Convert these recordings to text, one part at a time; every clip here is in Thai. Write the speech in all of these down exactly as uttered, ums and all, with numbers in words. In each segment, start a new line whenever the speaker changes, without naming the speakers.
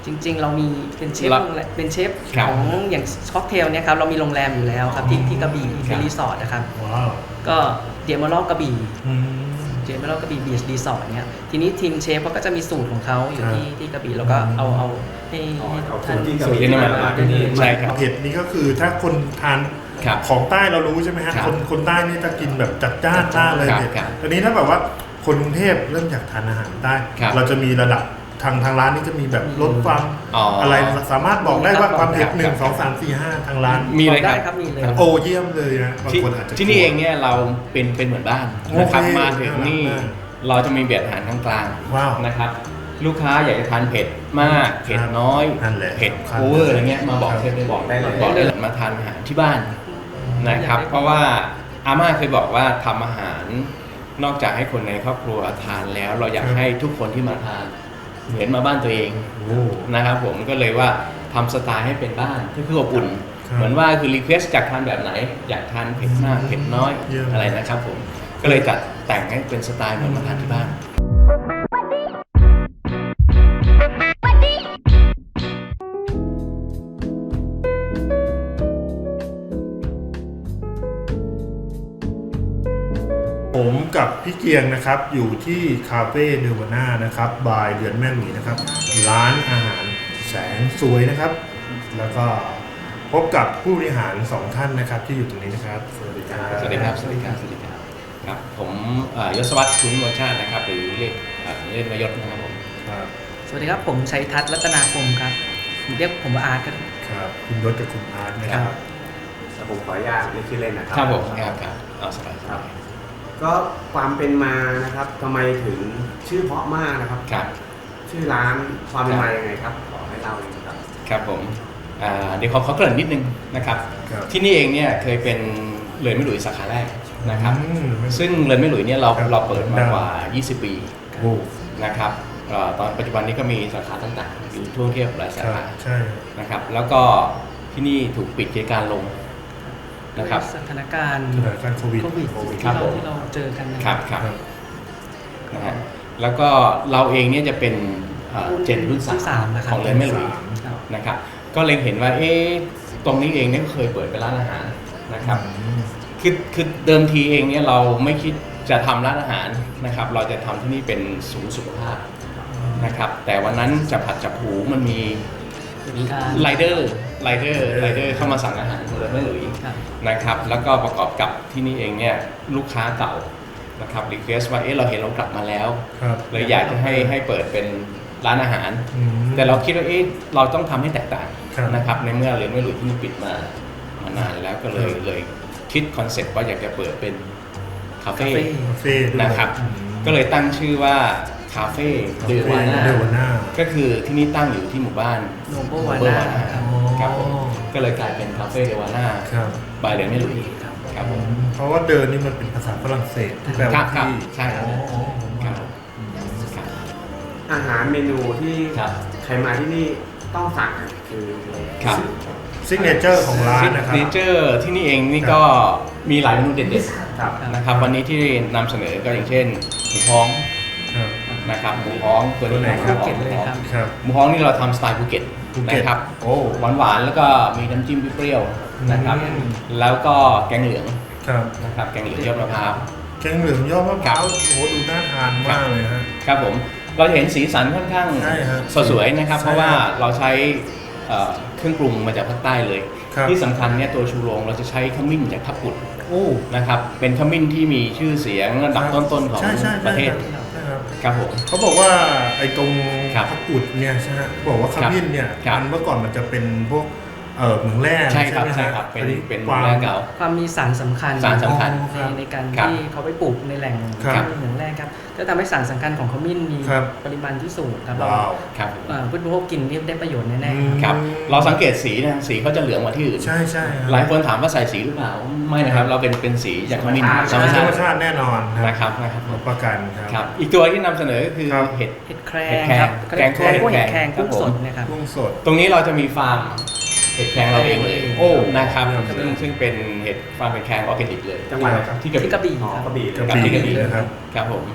จริงๆเรามีเป็นเชฟโรงแรมเป็นเชฟของอย่างค็อกเทลเนี่ยครับเรามีโรงแรมอยู่แล้วครับที่ที่กระบี่เป็นรีสอร์ทนะครับก็เดียมอลล์กระบี่เดียมอลล์กระบี่บีชรีสอร์ทเนี่ยทีนี้ทีมเชฟเขาก็จะมีสูตรของเขาอยู่ที่ที่กระบี่แล้วก็เอาเอาให้ท่าน
สูตรที่นำมาที่นี่
ใช่ครับเผ็ดนี่ก็คือถ้าคนทานของใต้เรารู้ใช่ไหมฮะคนคนใต้นี่จะกินแบบจัดจ้านมากเลยเผ็ดอันนี้ถ้าแบบว่าคนกรุงเทพเริ่มอยากทานอาหารใต้เราจะมีระดับทางทางร้านนี่จะมีแบบลดความอะไรสามารถบอกได้ว่าความเผ็ดหนึ่งสองสามสี่ห้าทางร้าน
มีเลย
ครับมีเลย
โอ้เยี่ยมเลยนะบางคนอาจจะ
ที่นี่เองเนี่ยเราเป็นเป็นเหมือนบ้านนะครับมาถึงนี่เราจะมีเบียดอาหารกลางๆนะครับลูกค้าอยากจะทานเผ็ดมากเผ็ดน้อยเผ็ดโอเวอร์อะไรเงี้ยมาบอกเชฟได้บอกได้เลยบอกได้เลยมาทานอาหารที่บ้านนะครับเพราะว่าอาม่าเคยบอกว่าทำอาหารนอกจากให้คนในครอบครัวทานแล้วเราอยากให้ทุกคนที่มาทานเห็นมาบ้านตัวเองนะครับผมก็เลยว่าทำสไตล์ให้เป็นบ้านก็คืออบอุ่นเหมือนว่าคือรีเควสจากทานแบบไหนอยากทานเผ็ดมากเผ็ดน้อยอะไรนะครับผมก็เลยจัดแต่งให้เป็นสไตล์เหมือนมาทานที่บ้าน
ผมกับพี่เกียงนะครับอยู่ที่คาเฟ่เนวาน่านะครับบายเดือนแม่หมีนะครับร้านอาหารแสนสวยนะครับแล้วก็พบกับผู้บริหารสองท่านนะครับที่อยู่ตรงนี้นะครับสวัสดีครับ
สวัสดีครับสวัสดีครับสวัสดีครับครับผมยศวัฒน์คุณวชาตินะครับหรือเรียกเล่นวายศนะครับผม
ครับ
สวัสดีครับผมชัยทัศน์รัตนาคมครับเรียกผมว่าอาร์ตครับ
ครับคุณยศกับคุณอาร์ตนะครับ
แต่ผมขออนุญาตเรียกชื่อเล่นนะครับ
ครับผมครับครับเอาสบายครับ
ก็ความเป็นมานะครับทำไมถึงชื่อเพราะมากนะครับ
ครับ
ชื่อร้านความเป็นมาอย่างไงครับขอให้เล่าเลยครับ
ครับผมเดี๋ยวขอขอเกริ่นนิดนึงนะครับที่นี่เองเนี่ยเคยเป็นเรือนแม่หลุยสาขาแรกนะครับซึ่งเรือนแม่หลุยเนี่ยเราเราเปิดมากว่ายี่สิบปีนะครับตอนปัจจุบันนี้ก็มีสาขาต่างๆอยู่ทั่วประเทศหลายสาขานะครับแล้วก็ที่นี่ถูกปิดกิจการลงนะครับ
สถานการณ์
สถานการณ์โควิด
ที่เราที่เราเจอกัน
นะครับครับนะฮะแล้วก็เราเองเนี่ยจะเป็นเจนรุ่นสามของเรือนแม่หลุยนะครับก็เล็งเห็นว่าเอ๊ะตรงนี้เองเนี่ยเคยเปิดเป็นร้านอาหารนะครับคือคือเดิมทีเองเนี่ยเราไม่คิดจะทำร้านอาหารนะครับเราจะทำที่นี่เป็นศูนย์สุขภาพนะครับแต่วันนั้นจับผัดจับหูมันมีไรเดอร์ไรเดอร์ไรเดอร์เข้ามาสั่งอาหารของเรือนแม่หลุยนะครับแล้วก็ประกอบกับที่นี่เองเนี่ยลูกค้าเก่านะครับรีเควสว่าเอ๊ะเราเห็นเรากลับมาแล้วเลยอยากจะให้ให้เปิดเป็นร้านอาหารแต่เราคิดว่าเอ๊ะเราต้องทำให้แตกต่างนะครับในเมื่อเรือนแม่หลุยที่นี่ปิดมามานานแล้วก็เลยเลยคิดคอนเซ็ปต์ว่าอยากจะเปิดเป็นคาเฟ่นะครับก็เลยตั้งชื่อว่าคาเฟ่เดวาน่าก็คือที่นี่ตั้งอยู่ที่หมู่บ้าน
โนโบวาน่า
ครับผมก็เลยกลายเป็นคาเฟ่เดวาน่าบายเรือนแม่หลุยครับผม
เพราะว่าเดินนี่มันเป็นภาษาฝรั่งเศสที่แปลว่าที่
ใช่ครับ
อาหารเมนูที่ใครมาที่นี่ต้องสั่งคือ
ซิกเนเจอร์ของร้านนะครับ
ซิกเนเจอร์ที่นี่เองนี่ก็มีหลายเมนูเด็ดๆนะครับวันนี้ที่นำเสนอก็อย่างเช่นหมูฮ้องนะครับหมูฮ้องตัวนี้หมูฮ้องหมูฮ้องนี่เราทำสไตล์ภูเก็ตนะครับหวานหวานแล้วก็มีน้ำจิ้มเปรี้ยวนะครับแล้วก็แกงเหลืองนะครับแกงเหลืองยอดมะพร้าว
แกงเหลืองยอดมะพร้าวโอ้โหดูน่าทานมากเลยฮะ
ครับผมเราเห็นสีสันค่อนข้างสวยๆนะครับเพราะว่าเราใช้เครื่องปรุงมาจากภาคใต้เลยที่สำคัญเนี่ยตัวชูโรงเราจะใช้ขมิ้นจากทับปุดนะครับเป็นขมิ้นที่มีชื่อเสียงระดับต้นๆของประเทศครับผม
เขาบอกว่าไอ้ตรงทับปุดเนี่ยใช่ไหมบอกว่าขมิ้นเนี่ยมันเมื่อก่อนมันจะเป็นพวกเออเหมืองแร่
ใช่ครับใช่ครับเป็นเป็นเหมืองแร่เก่า
ความมีสารสำคัญ
สารสำคัญ
ในการที่เขาไปปลูกในแหล่งเหมืองแร่ครับจะทำให้สารสำคัญของขมิ้นมีปริมาณที่สูงครับเราผู้บริโภคกินได้ประโยชน์แน่
ๆครับเราสังเกตสีนะสีเขาจะเหลืองกว่าที่อื่น
ใช่ใช่
หลายคนถามว่าใส่สีหรือเปล่าไม่นะครับเราเป็นเป็นสีจากขมิ้น
ธรรมชาติแน่นอน
นะครับนะครับ
ประกัน
ครับอีกตัวที่นำเสนอก็คือเห็ด
เห็ดแครงครับ
แกงคั่วเห็ดแครง
กุ้งสดนะครับ
กุ้งสด
ตรงนี้เราจะมีฟาร์มเห็ดแครงเราเองเลยโอ้นะครับซึ่งซึ่งเป็นเห็ดฟาร์มเห็ดแครงออร์แกนิกเลย
จังหวัด
ที่กระบี่
กระบี่
กับที่กระบี่นะครับครับผม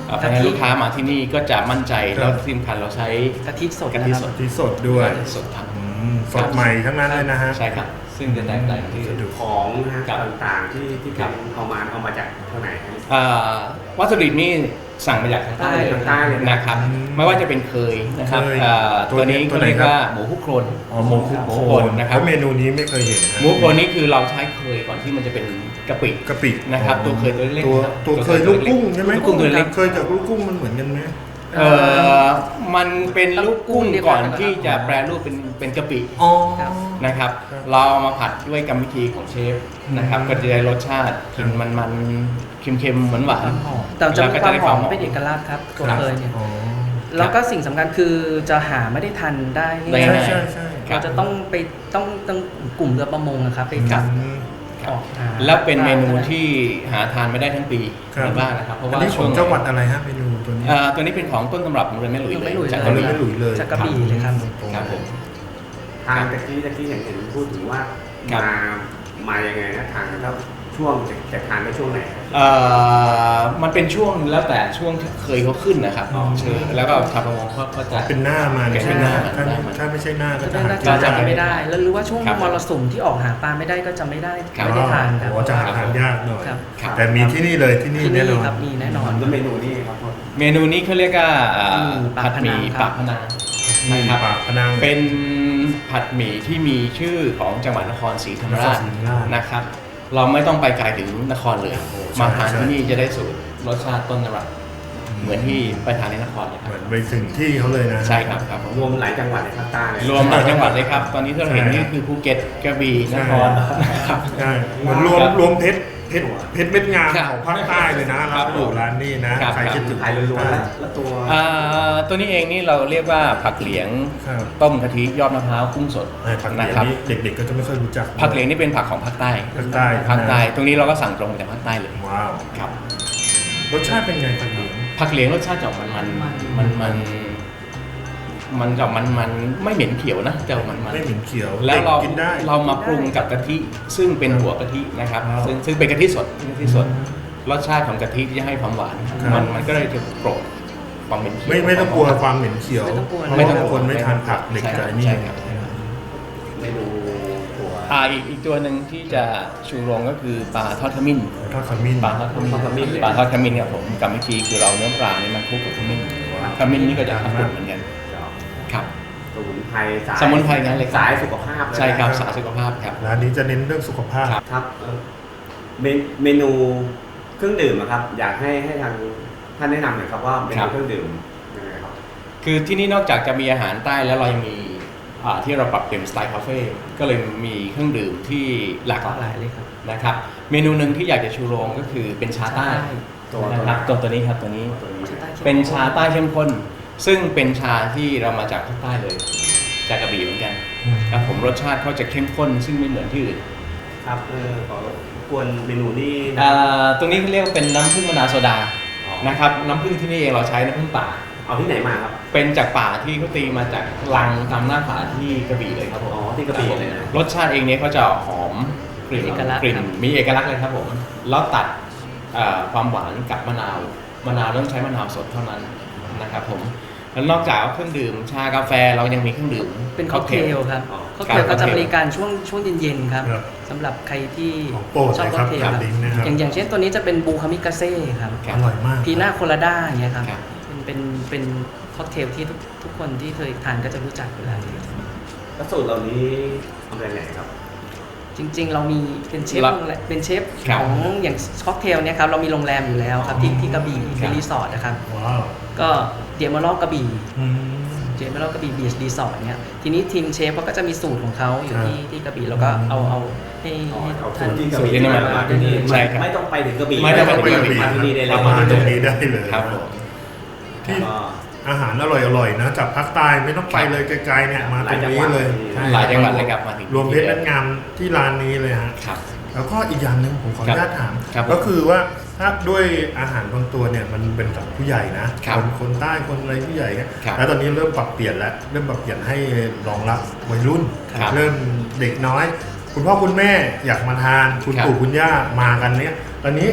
เพราะฉะนั้นลูกค้ามาที่นี่ก็จะมั่นใจแล้วที่สำคัญเราใช้
กะทิสด
กะทิ
นะค
ส
รับ
ด
ที่สดด้วย
สดครับ
อืมสดใหม่ทั้งนั้นเลยนะฮะ
ใช่ครับซึ่งจะแตกต่างที่
สะดวก
ของนะฮะ
ครับ
ต่างๆที่ที่เป็นเอามาเอามาจากเท่าไหร่ครับ
อ่าวัตถุดิบนี่สั่งมาจากทางใต้เลย
ทางใต้เลย
นะครับ
อืม
ไม่ว่าจะเป็นเคยนะครับ
เคย
อ่า
ตั
ตัว ว
นี้
นี้
ตัว
ก็
ไหน
เรียก
ครับ
ว่าหมูคุกโครน
อ๋อหมูคุก
หมู
โค
โคน
น
นะครับ
แล้วเมนูนี้ไม่เคยเห็นนะ
หมูโคนนี่คือเราใช้เคยก่อนที่มันจะเป็นกะปิ
กะปิ
นะครับตัวเคยตัวเล็ก
ตัว
นะครับ
ตัวเคยลูกกุ้งใช่ไหม
ลูกกุ้งตัวเล็ก
เคยกับลูกกุ้งมันเหมือนกันไหม
เอ่อมันเป็นลูกกุ้งก่อนที่จะแปรรูปเป็นเป็นกะปิ
อ๋อ
ครับ
นะครับ
ครับ
เราเอามาผัดด้วยกรรมวิธีของเชฟนะครับ
อืม
ก็จะได้รสชาติ
ครั
กิ
บ
นมันมันเค็มๆเหมือนหวาน
ความหอมแต่จะมีความหอมเป็นเอกลักษณ์ครับตัวเคยเนี่ย
อ๋อ
แล้วก็สิ่งสำคัญคือจะหาไม่ได้ทันได้
ได้
ง่าย
ง่าย
ใช่ใช่
ครับ
เราจะต้องไปต้องต้องกลุ่มเรือประมงนะครับไปจับ
อืม
ออกหา
แล้วเป็นเมนูที่หาทานไม่ได้ทั้งปี
ครับ
ในบ้านนะครับเพราะ
อัน
ว่า
นี้ข
ช่
อ
ว
ง
ง
จังหวัดอะไรฮะเมนูตัวนี้
เอ่อตัวนี้เป็นของต้นตำรับของเรือนแม่หลุย
เรือนแม่
เล
หลุย
ยจาก
เอา
กะ
เลย
บี่
ไม่หลุยเลย
จากกระบี่เลยครับ
ครับผม
ทางตะกี้ตะกี้เห็นเห็นพูดถึงว่า
ครับ
มามายังไงนะทางแล้วช่วงจะจะทานได้ช่วงไหนครับ
เอ่อมันเป็นช่วงแล้วแต่ช่วงที่เคยเขาขึ้นนะครับ
อ๋อ
เชิญแล้วก็ชาวประมงเขาก็จะ
เป็นหน้ามัน
เป็นหน้ามัน
ถ้า
หน้ามัน
ถ้าไม่ใช่หน้าก็
จะ
จะ
ได้
หา
น่า
กินยาก
จะไม่ได้ แล้วหรือว่าช่วง
ครับ
มรสุมที่ออกหาปลาไม่ได้ก็จะไม่ได้
ครับ
ไม่ได้ทานครับ
โอ้จะหาทานยากหน่อย
ครับ
ครับ
แต่มีที่นี่เลยที่นี่
ที่
แน่น
นี่
อน
ครับมีแน่นอน
แล้วเมนูนี้ครับพ่อ
เมนูนี้เขาเรียกว่าอ่า
อืม
ผัดหมี่
ปา
ปาก ก
พ
พ
นั
นั
ง
ง
มี
นะครับ
ปากพนัง
เป็นผัดหมี่ที่มีชื่อของจังหวัดนครศรีธรรมราช
นครศรีธรรมราช
นะครับ เราไม่ต้องไปไกลถึงนครเลย
โอ้ใช่
มาทาน
ใช่
ที่นี่จะได้สูตรรสชาติต้นตำรับเหมือนที่ไปทานในนครเลยค
เห
รับ
มือนไปถึงที่เขาเลยนะ
ใช่ครับครับผม
รวมหลายจังหวัดในภาคใต้เลย
รวมหลายจังหวัดเลยครับ ตอนนี้ที่เราเห็น
ใช่
นี่คือภูเก็ตกระบี่นครครับ
ใช่เหมือนรวม
ครับ
รวมเพชรเพชรเพชรเม็ดงาม
ครับ
ของภาคใต้เลยนะ
ครั
รับบ อยู่ร้านนี้นะครับ ใครคิดถึง
ไทยล้วนๆแล้วแล้วตัว
อ่าตัวนี้เองนี่เราเรียกว่าผักเหลียง
ครับ
ต้มกะทิยอดมะพร้าวกุ้งสด
ไอ้ผักเหลียง
นะครับ
นี่เด็กๆก็จะไม่ค่อยรู้จัก
ผักเหลียงนี่เป็นผักของภาคใต้
ภาคใต้
ภาคใต้ ตรงนี้เราก็สั่งตรงมาจากภาคใต้เลย
ว้าว
ครับ
รสชาติเป็นไงผักเหลียง
ผักเหลียงรสชาติจะออกมันมันมันมันมันจะมันมันไม่เหม็นเขียวนะจะออกมันมัน
ไม่เหม็นเขียว
แล้วเรา
ด็กกินได้
เรามาปรุงกับกะทิซึ่งเป็นหัวกะทินะครับ
ว้าว
ซึ่งซึ่งเป็นกะทิสดกะทิสดรสชาติของกะทิที่จะให้ความหวาน
ครับ
มันมันก็เลยจะโปรดความเหม็นเขียว
ไม่ไม่ต้องกลัวความเหม็นเขียว
ไม่ต้องกลัว
เพราะ
ไม่ต้อง
ว่าก
ลัว
คนไม่ทานผักเด็ก
ใช่
กับไอ้นี่
ใช่ครับ
เมนูตัว
อ่าอีกอีกตัวหนึ่งที่จะชูโรงก็คือปลาทอดขมิ้น
ทอดขมิ้น
ปลาทอดขมิ้น
ทอดขมิ้นเลย
ปลาทอดขมิ้นครับผมกรรมวิธีคือเราเนื้อปลาเนี่ยมันคลุกกับขมิ้น
ว้าว
ขมิ้นนี่ก็จะทำเหมือนกันครับ
สมุนไพรสาย
สมุนไพรงั้นเลยครับ
สายสุขภาพเลยนะ
ใช่ครับสารสุขภาพครับ
ร้านนี้จะเน้นเรื่องสุขภาพ
ครับ
ครับเอ่อเมนเมนูเครื่องดื่มอะครับ อยากให้ให้ทางท่านแนะนำหน่อยครับว่าเม
ครั
นู
บ
เครื่องดื่มยังไงครับ
คือที่นี่นอกจากจะมีอาหารใต้แล้วเรายังมีอ่าที่เราปรับเปลี่ยนสไตล์คาเฟ่ก็เลยมีเครื่องดื่มที่หลาก
หลาก
ห
ห
ลา
ลาย ยเลยครับ
นะครับ เมนูหนึ่งที่อยากจะชูโรงก็คือเป็นชาใต้
ตัว
นะครับตัวตัวนี้ครับตัวนี้
ชาใต้เข้มข้น
เป็นชาใต้เข้มข้น ซึ่งเป็นชาที่เรามาจากภาคใต้เลย จากกระบี่เหมือนกันครับผมรสชาติเขาจะเข้มข้น ซึ่งไม่เหมือนที่อื่น
ครับเออขอรบกวนเมนูนี้
อ่าตรงนี้เรียกว่าเป็นน้ำผึ้งมะนาวโซดา
อ๋อ
นะครับน้ำผึ้งที่นี่เองเราใช้น้ำผึ้งป่า
เอาที่ไหนมาครับ
เป็นจากป่าที่เขาตีมาจากลังตามหน้าผาที่กระบี่เลยครับผม
อ๋อที่กระบี่เลยนะ
รสชาติเองเนี่ยเขาจะหอมกลิ่น
มีเอกลักษณ์
กลิ่น
ครับ
มีเอกลักษณ์เลยครับผมแล้วตัดเอ่อความหวานกับมะนาวมะนาวต้องใช้มะนาวสดเท่านั้นนะครับผมแล้วนอกจากเครื่องดื่มชากาแฟเรายังมีเครื่องดื่ม
เป็นค็อกเทลครับ
อ๋อ
ค็อกเทลก็จะบริการช่วงช่วงเย็นๆครับ
ครับ
สำหรับใครที่
ของโปรด
ชอบ
เลย
ค็
ครั
อบ กเทล
กับ
ครับ
ลิงก์นะครับ
อย่างอย่างเช่นตัวนี้จะเป็นบูคามิกาเซ่ครับ
ครับ
อร่อยมาก
พีน่าโคลาด้าอย่างเงี้ยครับ
ครับ
เป็นเป็นเป็นค็อกเทลที่ทุกทุกคนที่เคยทานก็จะรู้จักอยู่แล้ว
แล้วสูตรเหล่านี้ทำยังไงครับ
จริง ๆ เรามีเป็นเชฟ
ละ
โรงแรมเป็นเชฟ
ครับ
ของอย่างค็อกเทลเนี่ยครับเรามีโรงแรมอยู่แล้วครับที่ที่กระบี่
ครั
เป็น
บ
รีสอร์ทนะครับ
ว้าว
ก็เดียมารอบกระบี่
อืม
เจมส์เรากระบี่บีชรีสอร์ทเนี่ยทีนี้ทีมเชฟเขาก็จะมีสูตรของเขาอยู่ที่
ครับ
ที่กระบี่แล้วก็เอาเอาให้
อ๋อ
ให้
เอา
ท่า
สู
น
ตรที่กระ
สูตร
บี่
ที่
มา
มา
ที่นี่
ใช่ครับ
ไม่ต้องไปถึงกระบี่
ไม่ต้องไปถึงกระบี่
มาที่นี่ได้เลย
มาตรงนี้ได้เลย
ครับผม
ที่
ก็
อาหารอร่อยๆนะจากภาคใต้ไม่ต้องไปเลยไกลๆเนี่ยมาตรงนี้เลย
หลายจังหวัดเลยครับมาถึง
รวมเพชรเม็ดงามที่ร้านนี้เลยฮะ
ครับ
แล้วก็อีกอย่างหนึ่งผมขออนุญาตถาม
ครับ
ก็คือว่าถ้าด้วยอาหารบางตัวเนี่ยมันเป็นสำหรับผู้ใหญ่นะครับ นคนใต้คนอะไรผู้ใหญ่เนี่ย
ครับ
แล้วตอนนี้เริ่มปรับเปลี่ยนแล้วเริ่มปรับเปลี่ยนให้รองรับวัยรุ่น
ครับ
เริ่มเด็กน้อย คุณพ่อคุณแม่อยากมาทานคุณ
ครับ
ปู่คุณย่ามากันเนี่ยตอนนี้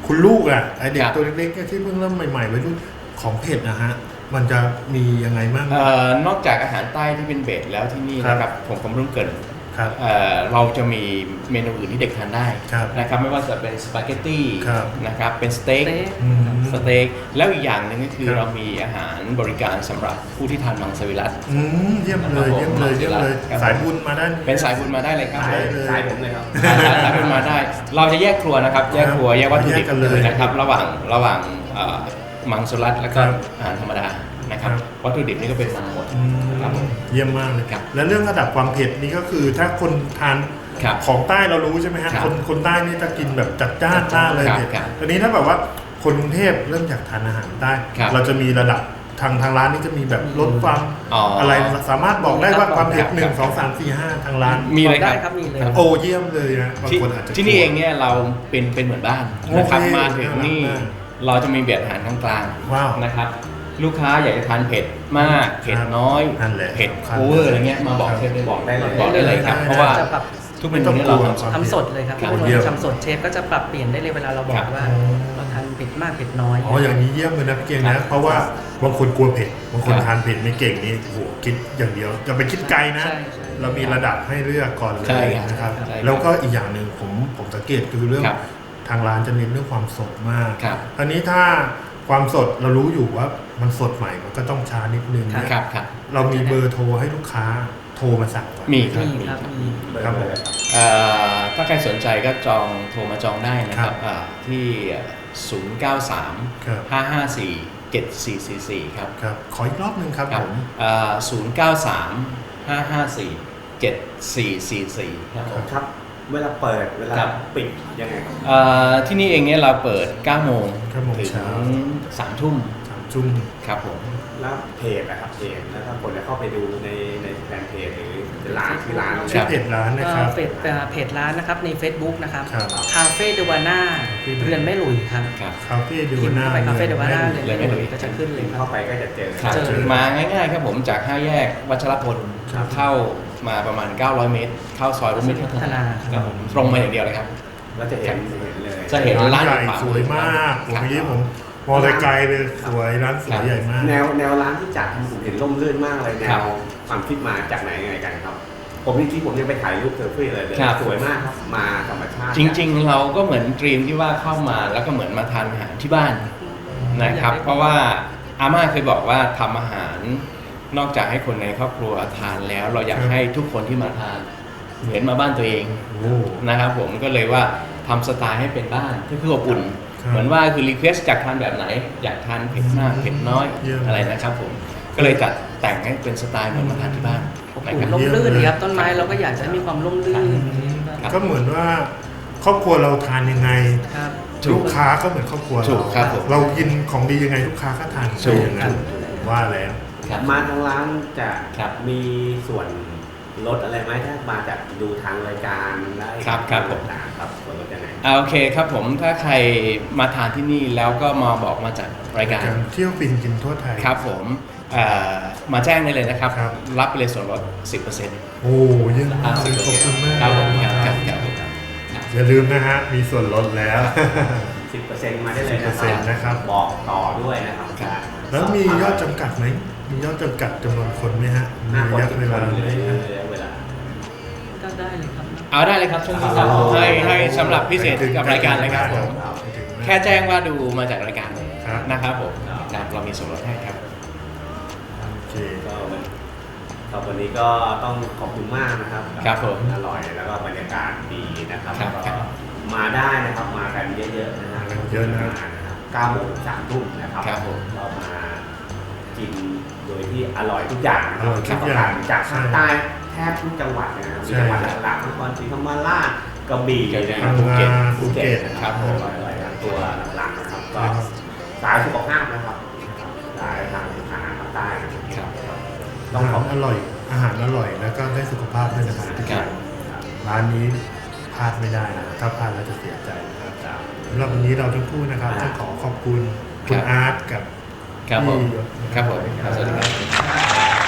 คุณลูกอ่ะไอเด็
ค
ก
รับ
ตัวเล็กๆที่เพิ่งเริ่มใหม่ๆวัยรุ่นของเผ็ดนะฮะมันจะมียังไงบ้าง
เอ่อนอกจากอาหารใต้ที่เป็นเบสแล้วที่นี่นะครับผมผมรุ่งเกิน
ครับ
เอ่อเราจะมีเมนูอื่นที่เด็กทานได้
ครับ
นะครับไม่ว่าจะเป็นสปาเกตตี้
ครับ
นะครับเป็นสเต็ก
สเต็ก
อืม
สเต็กแล้วอีกอย่างหนึ่งก็คือ
ครับ
เรามีอาหารบริการสำหรับผู้ที่ทานมังสวิรัติ
อืมเยี่ยมเลยเยี่ยมเลยเยี่ยมเลย
ครับ
สายบุญมาด้าน
เป็นสายบุญมาได้เลยครับ
สาย
เลย
สายผมเลยครับ
สายสายบุญมาได้ เราจะแยกครัวนะครับแยกครัวแยกวัตถุดิบ
แยกกันเลย
นะครับระหว่างระหว่างเอ่อมังสวิรัติแล้วก็
ครับ
อาหารธรรมดานะครับ
ครับ
วัตถุดิบนี่ก็เป็นมังหมด
อืม
ครับผม
เยี่ยมมากเลย
ครับ
และเรื่องระดับความเผ็ดนี่ก็คือถ้าคนทาน
ครับ
ของใต้เรารู้ใช่ไหมฮะ
ครับ
คนคนใต้นี่จะกินแบบจัดจ้านมากเลย
ครับ
เผ็ด
ครับ
ตอนนี้ถ้าแบบว่าคนกรุงเทพเริ่มอยากทานอาหารใต้
ครับ
เราจะมีระดับทางทางร้านนี่จะมีแบบลดความ
อ๋ออ
อะไรสามารถบอกได้ว่าความเผ็ด
ครับ
หนึ่ง
ครับ
สองสามสี่ห้าทางร้าน
มีเลย
ได้
ค
ครั
รับบ
มีเลย
โอ้เยี่ยมเลยนะบาง
ที่
คนอาจจะ
ที่นี่เองเนี่ยเราเป็นเป็นเหมือนบ้านนะครับ
โอเค
มาถึงนี่
น่ารักมาก
เราจะมีเบียดอาหารกลาง
ว้าว
ๆนะครับลูกค้าอยากจะทานเผ็ดมากเผ็ดน้อย
นั่นแหละ
เผ็ด
สำคัญ
โอเวอร์อะไรเงี้ยมาบอกเชฟได้
บอกได้เลย
บอกได้เลยครับ
ได้
เพราะว่า
จะปรับ
ทุกเมนูเนี่ยเราทำสด
ทำสดเลยครับ
ครับ
ทุก
เยี่ยม
คนทำสดเชฟก็จะปรับเปลี่ยนได้เลยเวลาเราบอ
ครั
ก
บ
ว่าเราทานเผ็ดมากเผ็ดน้อย
อ๋ออย่างนี้เยี่ยมเลยนะพี่เก่ง
ครั
นะ
บ
เพราะว่าบางคนกลัวเผ็ดบางคน
ครับ
ทานเผ็ดไม่เก่งนี่โอ้โหคิดอย่างเดียวอย่าไปคิดไกลนะ
ใช่ใช่
เรามีระดับให้เลือกก่อนเล
ใช่
ย
ครับ
นะครับ
ใช่ครับ
แล้วก็อีกอย่างหนึ่งผมผมสังเกตคือเรื่อง
ครับ
ทางร้านจะเน้นเรื่องความสดมาก
ครับ
อันนี้ถ้าความสดเรารู้อยู่ว่ามันสดใหม่มันก็ต้องช้านิดนึง
ครับ
ครับครับ
เรามีเบอร์โทรให้ลูกค้าโทรมาสั่งก่อน
มีครับ
มีครับมี
ครับผม
เอ่อถ้าใครสนใจก็จองโทรมาจองได้นะค
ครั
รับบ อ่าที่ ศูนย์ เก้า สาม
ครับ
ห้า ห้า สี่ เจ็ด สี่ สี่ สี่ ครับ
ครับขออีกรอบหนึ่งครับ
ครั
ผ
บ
ม
อ่าศูนย์ เก้า สาม ห้า ห้า สี่ เจ็ด สี่ สี่ สี่ ครับผม
ครับ เวลาเปิดเวลา
ครับ
ปิดยังไงครับ
เอ่อที่นี่เองเนี่ยเราเปิด เก้า โมง
เก้าโมง
ถึง
เช้า
สาม ทุ่ม
สามจุ่ม
ครับผม
แล้วเพจนะครับเพจแล้วถ้าคนจะเข้าไปดูในในแฟนเพจหรือร้านที่ร้าน
ชื่อเพจร้านนะครับ
เฟซเพจร้านนะครับใน Facebook นะครับ
ครับ
คาเฟ่เดวาน่าเรือนแม่หลุยครับ
ครับ
คาเฟ่ดู
พิมพ์
หน้า
เข้าไปคาเฟ่เดวาน่า
เรื
เรื
อ
อน น
แม่
แม่
ห
ห
ลุ
ลุ
ย
ยก็จะขึ้นเลยครับ
เข้าไปก็จะเจอ
ครับ
เจอ
มาง่ายๆครับผมจากห้าแยกวัชรพล
ครับ
เข้ามาประมาณ เก้าร้อย เมตร เข้าซอยรุ่มมิตรพัฒนาครับผมตรงมาอย่างเดียวเลยครับ
แล้วจะเห็นจะเห็นเลย
จะเห็น
ร้านใหญ่
ร้าน
สวยมากผม
ครับ
เมื่อกี้ผมมองไกลๆเลยสวยร้านสวยใหญ่มาก
แนวแนวร้านที่จัดผมเห็นร่มรื่นมากเลยแน
ครับ
วความคิดมาจากไหนยังไงกันครับ ผมจริงๆผมยังไปถ่ายรูปเซอร์ฟี่เลยเลย
ครับ
สวยมากครับมาธรรมชาติ
จริงๆ เราก็เหมือนดรีมที่ว่าเข้ามาแล้วก็เหมือนมาทานอาหารที่บ้านนะครับ เพราะว่าอาม่าเคยบอกว่าทำอาหารนอกจากให้คนในครอบครัวทานแล้ว เราอยาก
ครับ
ให้ทุกคนที่มาทานเหมือนมาบ้านตัวเอง
โอ้
นะครับผมก็เลยว่าทำสไตล์ให้เป็นบ้านก็คืออบอุ่น
ครับ
เหมือนว่าคือรีเควสจากทานแบบไหน อยากทานเผ็ดมากเผ็ดน้อย
เยี่ยม
อะไรนะครับผมก็เลยจัดแต่งให้เป็นสไตล์เหมือนมาทานที่บ้าน
อบ
นะ
อุ่
คน รับ
ร่มรื่นครับต้นไม้เราก็อยากจะให้มีความร่มรื่น
ครับ
ก็เหมือนว่าครอบครัวเราทานยังไง
ครับ
ถูก
ลูกค้าก็เหมือนครอบครัว
ถูกครับผม
เรากินของดียังไงลูกค้าก็ทาน
ถูก
อย่างนั้นว่าแล้ว
ครับ
มาทางร้านจะ
ครับ
มีส่วนลดอะไรไหมถ้ามาจากดูทางรายการได้
ครับครับผม
ต่างๆครับส่วนลดยังไง
อ่าโอเคครับผมถ้าใครมาทานที่นี่แล้วก็มาบอกมาจากรายการ
การเที่ยวฟินกินทั่วไทย
ครับผมเอ่อมาแจ้งได้เลยนะครับ
ครับ
รับไปเลยส่วนลด สิบเปอร์เซ็นต์
โอ้เยี่ยมมากเลยขอบคุณมาก
ครับผม
เลย
ครับ
นะ
ครับครับผม
อย่าลืมนะฮะมีส่วนลดแล้ว
สิบเปอร์เซ็นต์มาได้เลยนะ
สิบเปอร์เซ็นต์นะครับ
บอกต่อด้วยนะครับ
ครับ
แล้วมียอดจำกัดไหมมียอดจำกัดจำนวนคนไหมฮะมี
ห้าคน
ระยะ
สิบ
เว
ค
ลาน
เลย
ไหมฮะ
ระยะเวลา
ก็ได้เลยครับ
เอาได้เลยครับช่วงนี้ครับ
อ๋อ
ให้ให้สำหรับพิเศษกับรายการเลยครับผม
ถึงไหม
แค่แจ้งว่าดูมาจากรายการ
ครับ
นะครับผมครับเรามีส่วนลดให้ครับ
โอเค
ก็วันครับวันนี้ก็ต้องขอบคุณมากนะครับ
ครับผม
อร่อยแล้วก็บรรยากาศดีนะครับ
ครับ
แล้ว
ครั
ก็
บ
มาได้นะครับมากันเยอะๆนะฮะ
เยอะนะ
มานะครับเก้าโมงสามทุ่มนะครับ
ครับผม
เรามากินโดยที่อร่อยทุกอย่างนะค
อร่อยทุกอย่าง
จากภาคใต้แทบทุกจังหวัดนะครับ
ใช่
มีจังหวัดหลักๆนครศรีธรรมราชกระบี่นะค
พั
รับ
ง
ภูเก็ต
งาภูเก็ต
นะ
ค
ค
รั
รั
บบ ผม
อร่อยๆตัวหลักๆนะครับก็สายสุขภาพนะครับสายทางอาหารภาคใต้นะครับ
ครับ
ต้องขอบ
อาหารอร่อย อาหารอร่อยแล้วก็ได้สุขภาพด้วยนะครับ
ครับ
ร้านนี้พลาดไม่ได้นะถ้าพลาดแล้วจะเสียใจนะครับสำหรับวันนี้เราทั้งคู่นะครับต้องขอขอบคุณคุณอาร์ตกับ
ครับผม
พี่ยศ
ครับผมครับสวัสดีครับ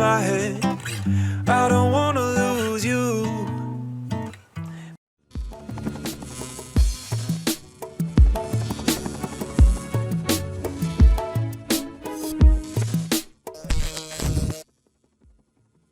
my head. I don't want